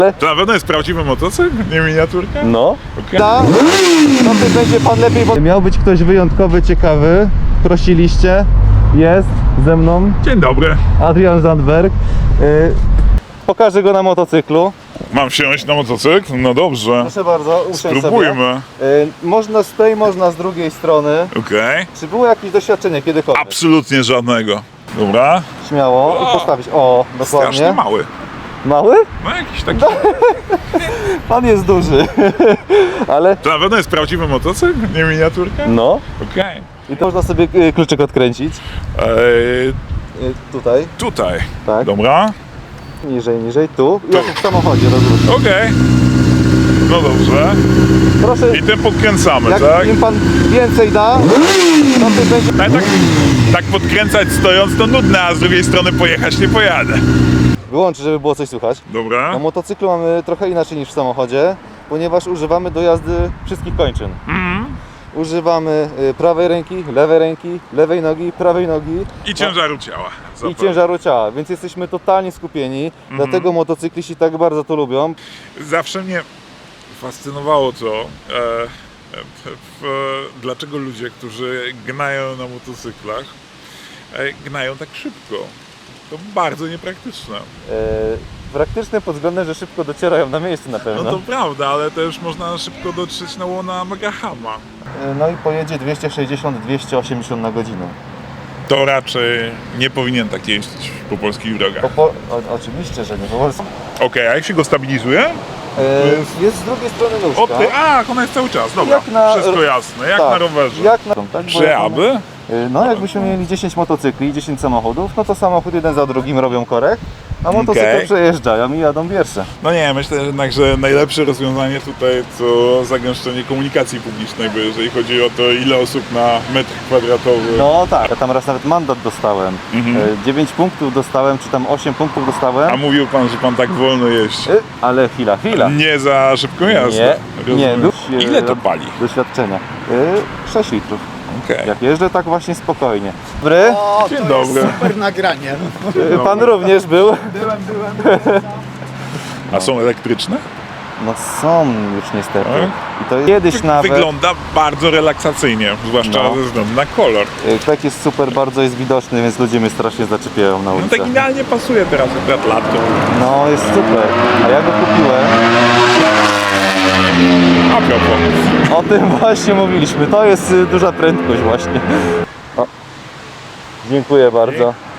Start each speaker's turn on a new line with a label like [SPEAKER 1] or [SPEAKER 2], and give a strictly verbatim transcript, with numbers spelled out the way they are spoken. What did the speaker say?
[SPEAKER 1] To na pewno jest prawdziwy motocykl, nie miniaturka?
[SPEAKER 2] No.
[SPEAKER 1] Okay.
[SPEAKER 2] Ta, no to będzie pan lepiej, bo... Miał być ktoś wyjątkowy, ciekawy. Prosiliście. Jest ze mną
[SPEAKER 1] Dzień dobry.
[SPEAKER 2] Adrian Zandberg. Yy, pokażę go na motocyklu.
[SPEAKER 1] Mam wsiąść na motocykl? No dobrze.
[SPEAKER 2] Proszę bardzo, usiądź sobie.
[SPEAKER 1] Spróbujmy.
[SPEAKER 2] Yy, można z tej, można z drugiej strony.
[SPEAKER 1] Okej.
[SPEAKER 2] Czy było jakieś doświadczenie kiedykolwiek?
[SPEAKER 1] Absolutnie żadnego. Dobra.
[SPEAKER 2] Śmiało i postawić. O,
[SPEAKER 1] Strasznie
[SPEAKER 2] dokładnie.
[SPEAKER 1] mały.
[SPEAKER 2] Mały?
[SPEAKER 1] No jakiś taki.
[SPEAKER 2] Pan jest duży. Ale...
[SPEAKER 1] To na pewno jest prawdziwy motocykl, nie miniaturka?
[SPEAKER 2] No.
[SPEAKER 1] Okej.
[SPEAKER 2] I to można sobie y, kluczyk odkręcić.
[SPEAKER 1] Eee,
[SPEAKER 2] Y, tutaj.
[SPEAKER 1] tutaj.
[SPEAKER 2] Tak.
[SPEAKER 1] Dobra.
[SPEAKER 2] Niżej, niżej. Tu. Jak w samochodzie rozruszam.
[SPEAKER 1] Okej. No dobrze.
[SPEAKER 2] Proszę,
[SPEAKER 1] I tym podkręcamy,
[SPEAKER 2] jak
[SPEAKER 1] tak?
[SPEAKER 2] im pan więcej da, to ty będzie...
[SPEAKER 1] Ale tak, tak podkręcać stojąc to nudne, a z drugiej strony pojechać nie pojadę.
[SPEAKER 2] Wyłącz, żeby było coś słychać.
[SPEAKER 1] Dobra.
[SPEAKER 2] Na motocyklu mamy trochę inaczej niż w samochodzie, ponieważ używamy do jazdy wszystkich kończyn.
[SPEAKER 1] Mhm.
[SPEAKER 2] Używamy y, prawej ręki, lewej ręki, lewej nogi, prawej nogi.
[SPEAKER 1] I ciężaru ciała.
[SPEAKER 2] I
[SPEAKER 1] Zapewne.
[SPEAKER 2] ciężaru ciała, więc jesteśmy totalnie skupieni, dlatego motocykliści tak bardzo to lubią.
[SPEAKER 1] Zawsze mnie fascynowało to, e, e, p- p- dlaczego ludzie, którzy gnają na motocyklach, e, gnają tak szybko. To bardzo niepraktyczne.
[SPEAKER 2] E, praktyczne pod względem, że szybko docierają na miejsce na pewno.
[SPEAKER 1] No to prawda, ale też można szybko dotrzeć na łona Megahama.
[SPEAKER 2] E, no i pojedzie dwieście sześćdziesiąt do dwustu osiemdziesięciu na godzinę.
[SPEAKER 1] To raczej nie powinien tak jeździć po polskich drogach.
[SPEAKER 2] Po, po, o, oczywiście, że nie. Po polsku.
[SPEAKER 1] Okej, a jak się go stabilizuje?
[SPEAKER 2] E, jest z drugiej strony nóżka.
[SPEAKER 1] O ty, a, ona jest cały czas, dobra,
[SPEAKER 2] Jak na-
[SPEAKER 1] wszystko jasne, jak
[SPEAKER 2] tak,
[SPEAKER 1] na rowerze.
[SPEAKER 2] Jak na, tak, bo
[SPEAKER 1] Czy
[SPEAKER 2] jak na-
[SPEAKER 1] aby?
[SPEAKER 2] E, No jakbyśmy mieli dziesięć motocykli i dziesięć samochodów, no to samochód jeden za drugim robią korek, a motocykle
[SPEAKER 1] Okej.
[SPEAKER 2] przejeżdżają i jadą pierwsze.
[SPEAKER 1] No nie, myślę jednak, że najlepsze rozwiązanie tutaj to zagęszczenie komunikacji publicznej, bo jeżeli chodzi o to, ile osób na metr kwadratowy.
[SPEAKER 2] No tak, ja tam raz nawet mandat dostałem.
[SPEAKER 1] Mhm.
[SPEAKER 2] E, dziewięć punktów dostałem, czy tam osiem punktów dostałem.
[SPEAKER 1] A mówił pan, że pan tak wolno jeździ.
[SPEAKER 2] E, Ale chwila, chwila.
[SPEAKER 1] Nie za szybką jazdę.
[SPEAKER 2] Nie, nie,
[SPEAKER 1] Rozumiem.
[SPEAKER 2] był-
[SPEAKER 1] Ile to pali?
[SPEAKER 2] Doświadczenia. E, sześć litrów.
[SPEAKER 1] Okej.
[SPEAKER 2] Jak jeżdżę tak właśnie spokojnie. Dobry.
[SPEAKER 3] O,
[SPEAKER 1] Dzień
[SPEAKER 3] to
[SPEAKER 1] dobry.
[SPEAKER 3] jest super nagranie.
[SPEAKER 2] E, Pan również był.
[SPEAKER 3] Byłem, byłem.
[SPEAKER 1] A są elektryczne?
[SPEAKER 2] No są już niestety.
[SPEAKER 1] Tak?
[SPEAKER 2] I to kiedyś nawet.
[SPEAKER 1] Wygląda bardzo relaksacyjnie, zwłaszcza
[SPEAKER 2] No.
[SPEAKER 1] ze względu na kolor.
[SPEAKER 2] E, Kwek jest super, bardzo jest widoczny, więc ludzie mnie strasznie zaczepiają na
[SPEAKER 1] No
[SPEAKER 2] ulicach.
[SPEAKER 1] tak idealnie pasuje teraz akurat lato.
[SPEAKER 2] No jest super. A ja go kupiłem.
[SPEAKER 1] A propos.
[SPEAKER 2] O tym właśnie mówiliśmy. To jest y, duża prędkość właśnie. O. Dziękuję bardzo.